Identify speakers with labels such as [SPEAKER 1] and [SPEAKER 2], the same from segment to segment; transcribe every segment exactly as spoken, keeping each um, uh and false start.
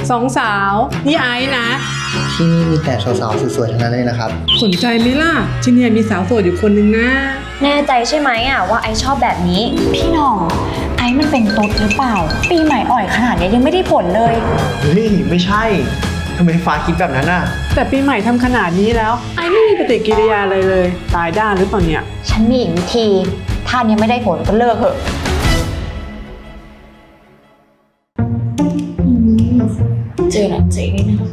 [SPEAKER 1] สองสาวนี่ไอซ์นะ
[SPEAKER 2] ที่นี่มีแต่สาวๆสวยๆทั้งนั้นเลยนะครับ
[SPEAKER 1] สนใจไหมล่ะที่นี่มีสาวโสดอยู่คนนึงนะ
[SPEAKER 3] แน่ใจใช่ไหมอ่ะว่าไอชอบแบบนี้
[SPEAKER 4] พี่น้องไอ้มันเป็นตุ๊ดหรือเปล่าปีใหม่อ่อยขนาดนี้ยังไม่ได้ผลเลย
[SPEAKER 2] เฮ้ยไม่ใช่ทำไมฟ้าคิดแบบนั้นน่ะ
[SPEAKER 1] แต่ปีใหม่ทำขนาดนี้แล้วไอซ์ไม่มีปฏิกิริยาอะไรเลยตายด้านหรือเปล่าเนี่ย
[SPEAKER 4] ฉันมีอีกวิธีถ้ายังไม่ได้ผลก็เลิกเถอะเจอหนักใจนี่นะ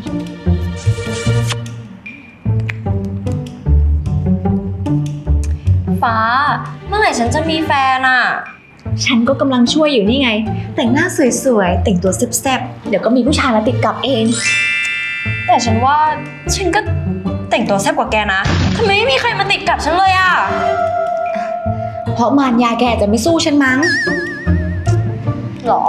[SPEAKER 3] ฟ้าเมื่อไหร่ฉันจะมีแฟนอ่ะ
[SPEAKER 4] ฉันก็กำลังช่วยอยู่นี่ไงแต่งหน้าสวยๆแต่งตัวแซ่บๆเดี๋ยวก็มีผู้ชายมาติดกับเอง
[SPEAKER 3] แต่ฉันว่าฉันก็แต่งตัวแซ่บกว่าแกนะทำไมไม่มีใครมาติดกับฉันเลยอ่ะ
[SPEAKER 4] เพราะมารยาแกจะไม่สู้ฉันมั้ง
[SPEAKER 3] หรอ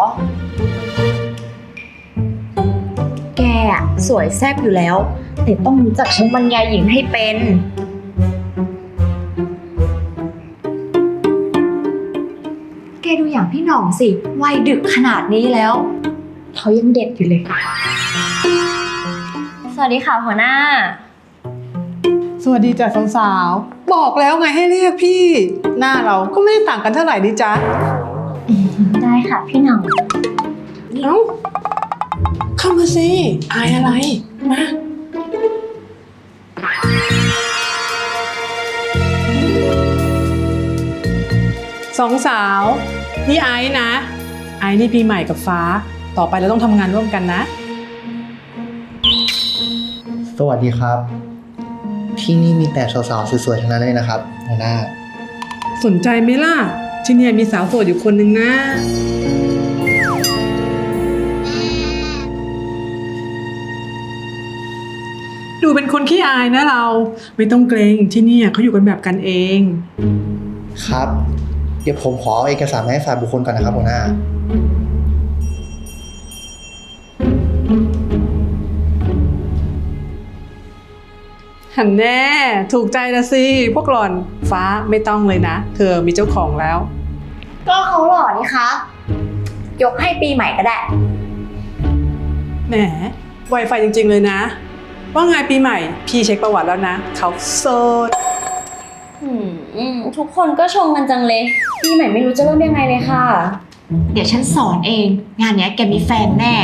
[SPEAKER 4] แกอะสวยแซ่บอยู่แล้วแต่ต้องรู้จักใช้บรรยายหญิงให้เป็นแกดูอย่างพี่หน่องสิวัยดึกขนาดนี้แล้วเขายังเด็กอยู่เลย
[SPEAKER 3] สวัสดีค่ะหัวหน้า
[SPEAKER 1] สวัสดีจ้ะสาวๆบอกแล้วไงให้เรียกพี่หน้าเราก็ไม่ได้ต่างกันเท่าไหร่ดิจ๊ะ
[SPEAKER 3] ได้ค่ะพี่หน่อง
[SPEAKER 1] เอ้าเข้ามาสิอายอะไรมาสองสาวนี่ไอซ์นะไอซ์นี่ปีใหม่กับฟ้าต่อไปเราต้องทำงานร่วมกันนะ
[SPEAKER 2] สวัสดีครับที่นี่มีแต่สาวๆสวยๆทั้งนั้นเลยนะครับหัวหน้า
[SPEAKER 1] สนใจไหมล่ะที่นี่มีสาวโสดอยู่คนนึงนะดูเป็นคนขี้อายนะเราไม่ต้องเกรงที่นี่เขาอยู่กันแบบกันเอง
[SPEAKER 2] ครับเดี๋ยวผมขอเอาเอกสารมาให้ฝ่ายบุคคลก่อนนะครับหัวหน้า
[SPEAKER 1] หันแน่ถูกใจละสิพวกหล่อนฟ้าไม่ต้องเลยนะเธอมีเจ้าของแล้ว
[SPEAKER 4] ก็เขาหล่อนี่คะยกให้ปีใหม่ก็ได้
[SPEAKER 1] แหมไวไฟจริงๆเลยนะว่าไงปีใหม่พี่เช็คประวัติแล้วนะเขาโสด
[SPEAKER 3] ทุกคนก็ชมกันจังเลยปีใหม่ไม่รู้จะเริ่มยังไงเลยค่ะ
[SPEAKER 4] เดี๋ยวฉันสอนเองงานนี้แกมีแฟนแน่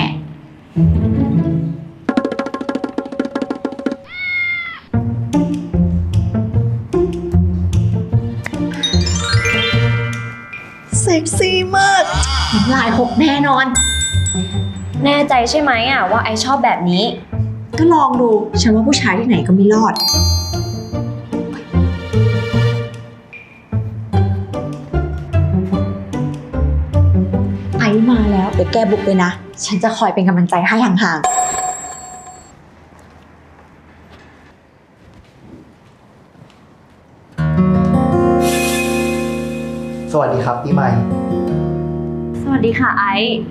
[SPEAKER 4] เซ็กซี่มากลายหกแน่นอน
[SPEAKER 3] แน่ใจใช่ไหมอ่ะว่าไอชอบแบบนี้
[SPEAKER 4] ก็ลองดูฉันว่าผู้ชายที่ไหนก็ไม่รอดไอมาแล้วเดี๋ยวแกบุกเลยนะฉันจะคอยเป็นกำลังใจให้ห่าง
[SPEAKER 2] สวัสดีครับปีใหม่
[SPEAKER 3] สวัสดีค่ะไอ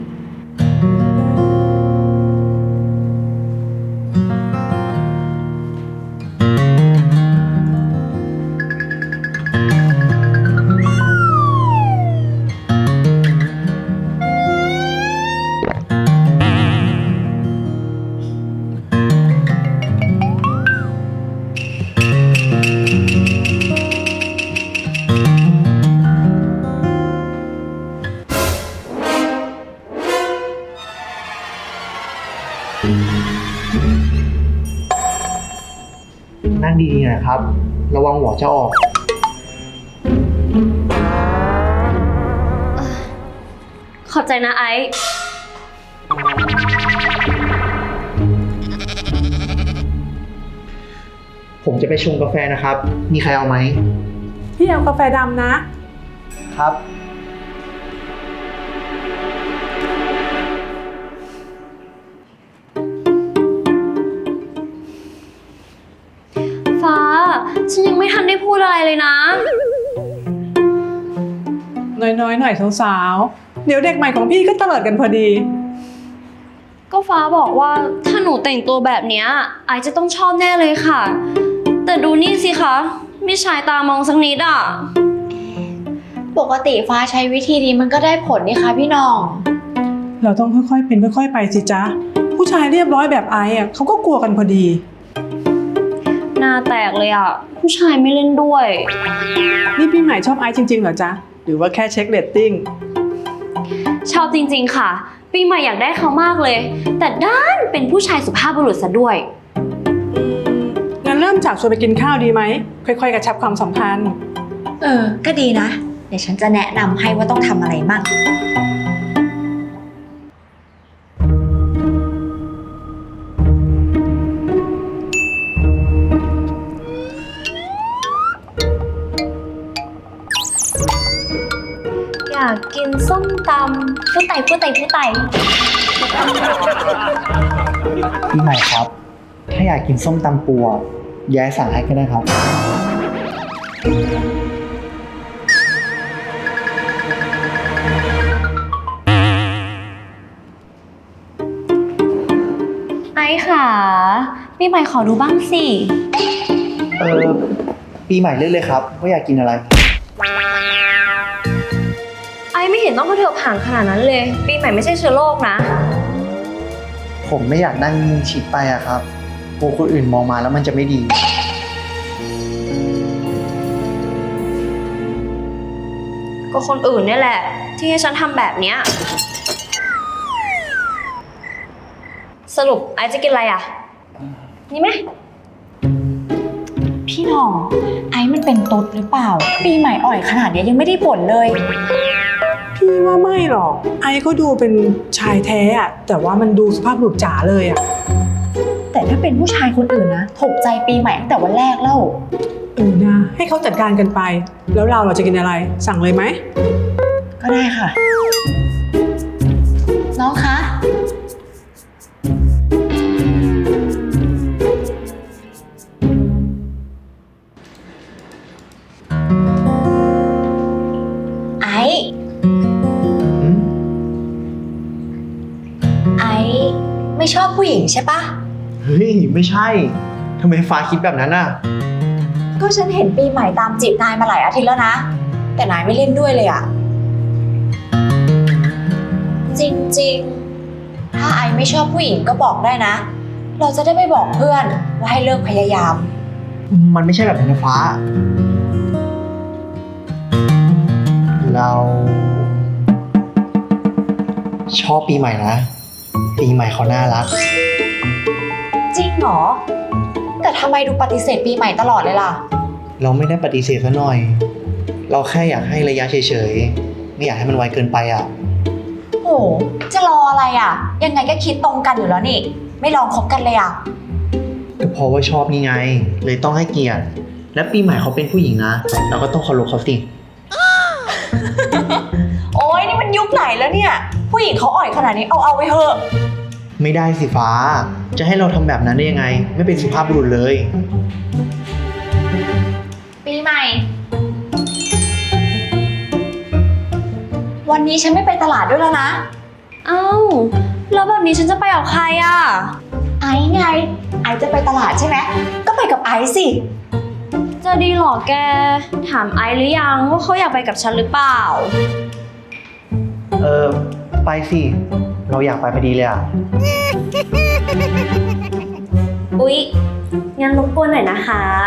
[SPEAKER 2] นั่งดีๆนะครับระวังหัวจะออก
[SPEAKER 3] ขอบใจนะไอ
[SPEAKER 2] ผมจะไปชงกาแฟนะครับมีใครเอาไหม
[SPEAKER 1] พี่เอากาแฟดำนะครับ
[SPEAKER 3] ฟ้าฉันยังไม่ทันได้พูดอะไรเลยนะ
[SPEAKER 1] น้อยๆหน่อยสาวๆเดี๋ยวเด็กใหม่ของพี่ก็เตลิดกันพอดี
[SPEAKER 3] ก็ฟ้าบอกว่าถ้าหนูแต่งตัวแบบนี้ไอจะต้องชอบแน่เลยค่ะแต่ดูนี่สิคะไม่ชายตามองสักนิดอ่ะ
[SPEAKER 4] ปกติฟ้าใช้วิธีนี้มันก็ได้ผลนี่คะพี่น้อง
[SPEAKER 1] เราต้องค่อยๆเป็นค่อยๆไปสิจ๊ะผู้ชายเรียบร้อยแบบไอซ์อ่ะเขาก็กลัวกันพอดี
[SPEAKER 3] หน้าแตกเลยอ่ะ ผู้ชายไม่เล่นด้วย
[SPEAKER 1] นี่ปีใหม่ชอบไอซ์จริงๆเหรอจ๊ะหรือว่าแค่เช็คเรตติ้ง
[SPEAKER 3] ชอบจริงๆค่ะ ปีใหม่อยากได้เขามากเลย แต่ด้านเป็นผู้ชายสุภาพบุรุษซะด้วย
[SPEAKER 1] งั้นเริ่มจากชวนไปกินข้าวดีไหมค่อยๆกระชับความสัมพันธ์
[SPEAKER 4] เออ ก็ดีนะ เดี๋ยวฉันจะแนะนำให้ว่าต้องทำอะไรมั่ง
[SPEAKER 3] อยากกินส้มตำผู้ไต่ผู้ไต่ผู้ไต่
[SPEAKER 2] ปีใหม่ครับ ถ้าอยากกินส้มตำปูอะย้ายสั่งให้ก็ได้ครับ
[SPEAKER 3] ไอ้ค่ะปีใหม่ขอดูบ้างสิ
[SPEAKER 2] เออปีใหม่เลือกเลยครับว่าอยากกินอะไร
[SPEAKER 3] ไอ้ไม่เห็นต้องกระเถิบห่างขนาดนั้นเลย ปีใหม่ไม่ใช่เชื้อโรคนะ
[SPEAKER 2] ผมไม่อยากนั่งชิดไปอะครับกลัวคนอื่นมองมาแล้วมันจะไม่ดี
[SPEAKER 3] ก็คนอื่นนี่แหละ ที่ให้ฉันทำแบบเนี้ยสรุปไอ้จะกินอะไรอ่ะ นี่ไหม
[SPEAKER 4] พี่หน้อง ไอ้มันเป็นตุ๊ดหรือเปล่า ปีใหม่อ่อยขนาดเนี้ยยังไม่ได้ผลเลย
[SPEAKER 1] พี่ว่าไม่หรอกไอซ์ก็ดูเป็นชายแท้อะแต่ว่ามันดูสุภาพบุรุษจ๋าเลยอะ
[SPEAKER 4] แต่ถ้าเป็นผู้ชายคนอื่นนะถูกใจปีใหม่ตั้งแต่วันแรกแล้ว
[SPEAKER 1] เออนะให้เขาจัดการกันไป แล้วเราเราจะกินอะไร สั่งเลยไหม
[SPEAKER 4] ก็ได้ค่ะ น้องคะ ไอ้ ไอ้ไม่ชอบผู้หญิงใช่ปะ
[SPEAKER 2] เฮ้ย ไม่ใช่ทำไมฟ้าคิดแบบนั้นอะ
[SPEAKER 4] ก็ฉันเห็นปีใหม่ตามจีบนายมาหลายอาทิตย์แล้วนะ แต่นายไม่เล่นด้วยเลยอะจริงๆ ถ้าไอไม่ชอบผู้หญิงก็บอกได้นะ เราจะได้ไปบอกเพื่อนว่าให้เลิกพยายาม
[SPEAKER 2] มันไม่ใช่แบบนั้นนะฟ้า เรา ชอบปีใหม่นะ ปีใหม่เขาน่ารัก
[SPEAKER 4] จริงเหรอ แต่ทำไมดูปฏิเสธปีใหม่ตลอดเลยล่ะ
[SPEAKER 2] เราไม่ได้ปฏิเสธซะหน่อย เราแค่อยากให้ระยะเฉยๆ ไม่อยากให้มันไวเกินไปอ่ะ
[SPEAKER 4] โห จะรออะไรอ่ะ ยังไงก็คิดตรงกันอยู่แล้วนี่ ไม่ลองคบกันเลยอ่ะ
[SPEAKER 2] ก็เพราะว่าชอบนี่ไง เลยต้องให้เกียรติ และปีใหม่เขาเป็นผู้หญิงนะ เราก็ต้องเคารพเขาสิ
[SPEAKER 4] โอ้ยนี่มันยุคไหนแล้วเนี่ย ผู้หญิงเขาอ่อยขนาดนี้เอาเอาไว้เถอะ
[SPEAKER 2] ไม่ได้สิฟ้า จะให้เราทำแบบนั้นได้ยังไง ไม่เป็นสุภาพบุรุษเลย
[SPEAKER 4] ปีใหม่ วันนี้ฉันไม่ไปตลาดด้วยแล้วนะ
[SPEAKER 3] เอ้า แล้วแบบนี้ฉันจะไปกับใครอ่ะ
[SPEAKER 4] ไอ้ไง ไอ้จะไปตลาดใช่ไหม ก็ไปกับไอ้สิ
[SPEAKER 3] จะดีเหรอแก ถามไอซ์หรือยังว่าเขาอยากไปกับฉันหรือเปล่า
[SPEAKER 2] เออ ไปสิ เราอยากไปพอดีเลยอ่ะ
[SPEAKER 3] อุ๊ย งั้นรบกวนหน่อยนะคะ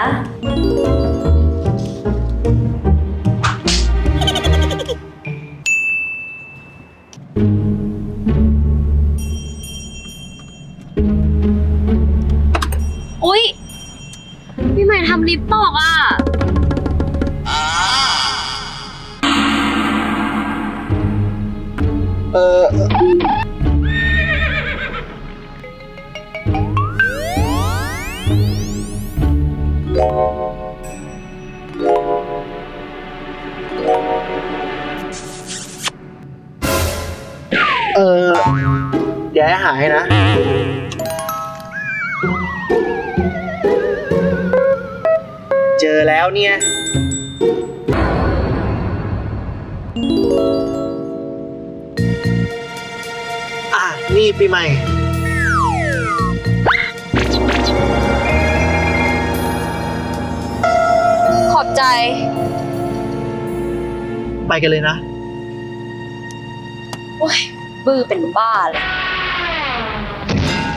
[SPEAKER 3] อุ๊ย พี่ใหม่ทำลิปตกอ่ะ
[SPEAKER 2] เออ เออเดี๋ยวให้หายนะ เจอแล้วเนี่ย อ่ะ นี่ปีใหม่
[SPEAKER 3] ขอบใจ
[SPEAKER 2] ไปกันเลยนะ
[SPEAKER 3] โอ้ย บื้อเป็นบ้าเลย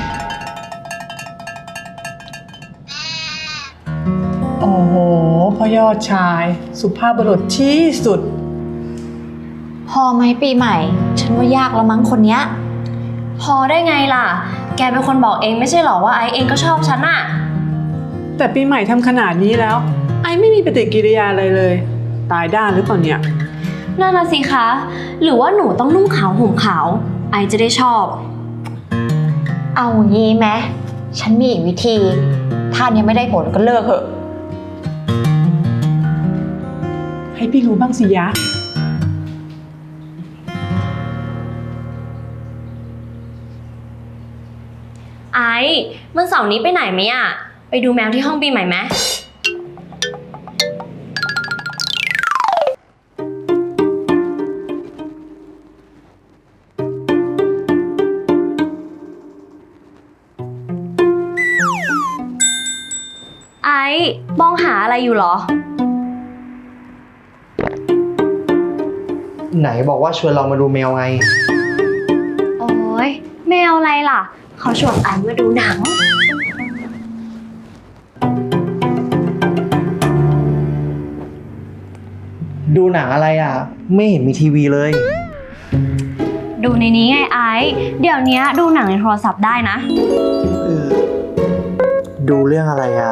[SPEAKER 1] อยอดชาย สุภาพบุรุษที่สุด
[SPEAKER 4] พอไหมปีใหม่ ฉันว่ายากแล้วมั้งคนเนี้ย
[SPEAKER 3] พอได้ไงล่ะ แกเป็นคนบอกเองไม่ใช่หรอว่าไอซ์เองก็ชอบฉันอะ
[SPEAKER 1] แต่ปีใหม่ทำขนาดนี้แล้ว ไอไม่มีปฏิกิริยาอะไรเลย ตายด้านหรือเปล่าเนี่ย
[SPEAKER 3] นั่นน่ะสิคะ หรือว่าหนูต้องนุ่งขาวห่มขาว ไอซ์จะได้ชอบ
[SPEAKER 4] เอางี้ไหมฉันมีอีกวิธี ถ้ายังไม่ได้ผลก็เลิกเถอะ
[SPEAKER 1] ให้พี่รู้บ้างสิยะ
[SPEAKER 3] ไอซ์วันเสาร์นี้ไปไหนไหมอะไปดูแมวที่ห้องปีใหม่ไหม ไอซ์มองหาอะไรอยู่เหรอ
[SPEAKER 2] ไหนบอกว่าชวนเรามาดูแมวไง
[SPEAKER 3] โอ้ยแมวอะไรล่ะ เขาชวนไอซ์มาดูหนัง
[SPEAKER 2] ดูหนังอะไรอ่ะ ไม่เห็นมีทีวีเลย
[SPEAKER 3] ดูในนี้ไงไอซ์เดี๋ยวนี้ดูหนังในโทรศัพท์ได้นะ
[SPEAKER 2] เออ ดูเรื่องอะไรอ่ะ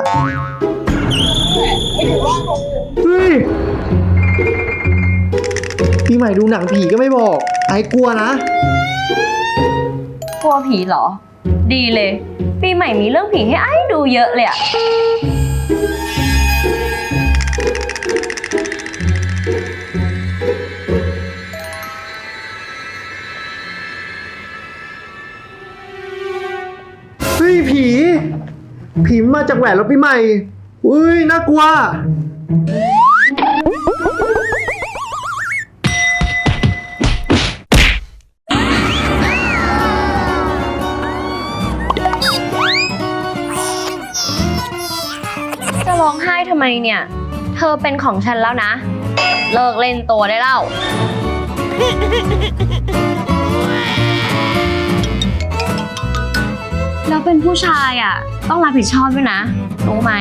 [SPEAKER 2] เฮ้ย พี่ใหม่ดูหนังผีก็ไม่บอก ไอ้กลัวนะ
[SPEAKER 3] กลัวผีเหรอ ดีเลย ปีใหม่มีเรื่องผีให้ไอ้ดูเยอะเลยอะ
[SPEAKER 2] เฮ้ยผี ผีมาจากแหวนแล้วพี่ใหม่อุ้ยน่ากลัว
[SPEAKER 3] จะร้องไห้ทำไมเนี่ย เธอเป็นของฉันแล้วนะ เลิกเล่นตัวได้แล้ว แล้วเป็นผู้ชายอ่ะ ต้องรับผิดชอบด้วยนะ รู้ไหม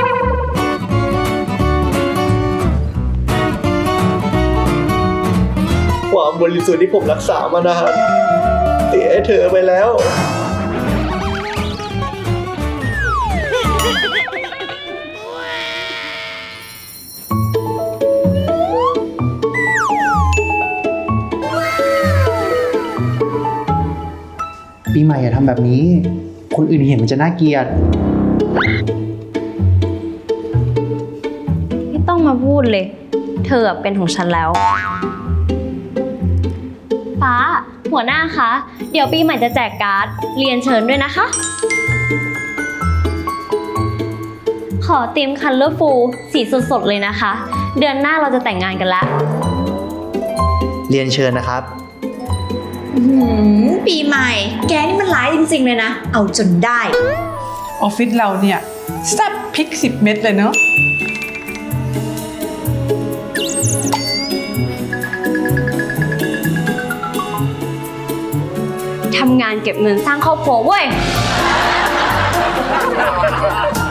[SPEAKER 2] ความบริสุทธิ์ที่ผมรักษามานานเสียให้เธอไปแล้ว ปีใหม่อย่าทำแบบนี้ คนอื่นเห็นมันจะน่าเกลียด
[SPEAKER 3] ไม่ต้องมาพูดเลย เธอเป็นของฉันแล้ว ฟ้า หัวหน้าคะ เดี๋ยวปีใหม่จะแจกการ์ด เรียนเชิญด้วยนะคะ ขอเตรียมคันเลอร์ฟูลสีสดๆเลยนะคะ เดือนหน้าเราจะแต่งงานกันแล้ว
[SPEAKER 2] เรียนเชิญนะครับ
[SPEAKER 4] หืมปีใหม่ แกนี่มันร้ายจริงๆเลยนะ เอาจนได้
[SPEAKER 1] ออฟฟิศเราเนี่ยแซ่บพริกสิบเม็ดเลยเนาะ
[SPEAKER 3] ทำงานเก็บเงินสร้างครอบครัวเว้ย